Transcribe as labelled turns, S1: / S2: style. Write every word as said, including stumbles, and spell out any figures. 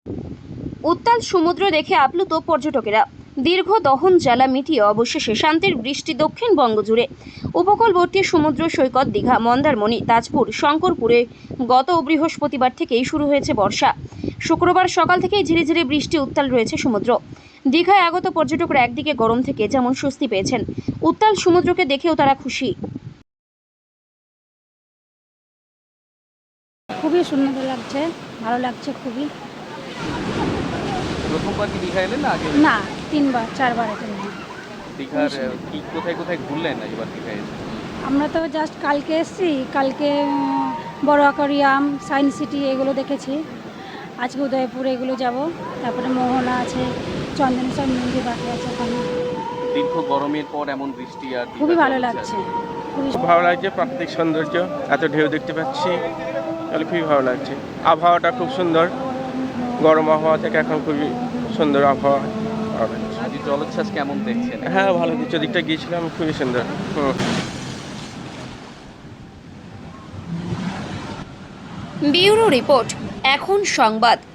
S1: উত্তাল সমুদ্র দেখে আপ্লুত পর্যটকেরা। দীর্ঘ দহন জ্বালা মিটিয়ে অবশেষে শান্তির বৃষ্টি দক্ষিণবঙ্গ জুড়ে। উপকূলবর্তী সমুদ্র সৈকত দীঘা, মন্দারমণি, তাজপুর, শঙ্করপুরে গত বৃহস্পতিবার থেকেই শুরু হয়েছে বর্ষা। শুক্রবার সকাল থেকেই ঝিরিঝিরি বৃষ্টি, উত্তাল রয়েছে সমুদ্র। দীঘায় আগত পর্যটকরা একদিকে গরম থেকে যেমন স্বস্তি পেয়েছেন, উত্তাল সমুদ্রকে দেখেও তারা খুশি।
S2: খুবই সুন্দর লাগছে, ভালো লাগছে খুবই।
S3: প্রথমবার কি দীঘা এলেন না আগে?
S2: না, তিনবার চারবার এখানে।
S3: দীঘার কি কোথায় কোথায় ঘুরলেন এবার দীঘায় এসে?
S2: আমরা তো জাস্ট কালকে এসেছি, কালকে উম, বড় অ্যাকোয়ারিয়াম, সায়েন্স সিটি এগুলো দেখেছি। আজকে উদয়পুর এগুলো যাব, তারপরে মোহনা আছে, চন্দনেশ্বর মন্দির বাকি আছে ওখানে।
S3: দীর্ঘ গরমের পর এমন বৃষ্টি আর দীঘা
S2: খুবই ভালো
S3: চলছে।
S2: লাগছে, খুবই
S4: খুব ভালো লাগছে, প্রাকৃতিক সৌন্দর্য, এত ঢেউ দেখতে পাচ্ছি, তাহলে খুবই ভালো লাগছে। আবহাওয়াটা খুব সুন্দর, গরম আবহাওয়া থেকে এখন খুবই সুন্দর আবহাওয়া।
S3: আজ জলোচ্ছ্বাস কেমন দেখছেন?
S4: হ্যাঁ ভালো, দ্বিতীয় দিকটা গিয়েছিলাম, খুবই সুন্দর। হুম
S1: ব্যুরো রিপোর্ট, এখন সংবাদ।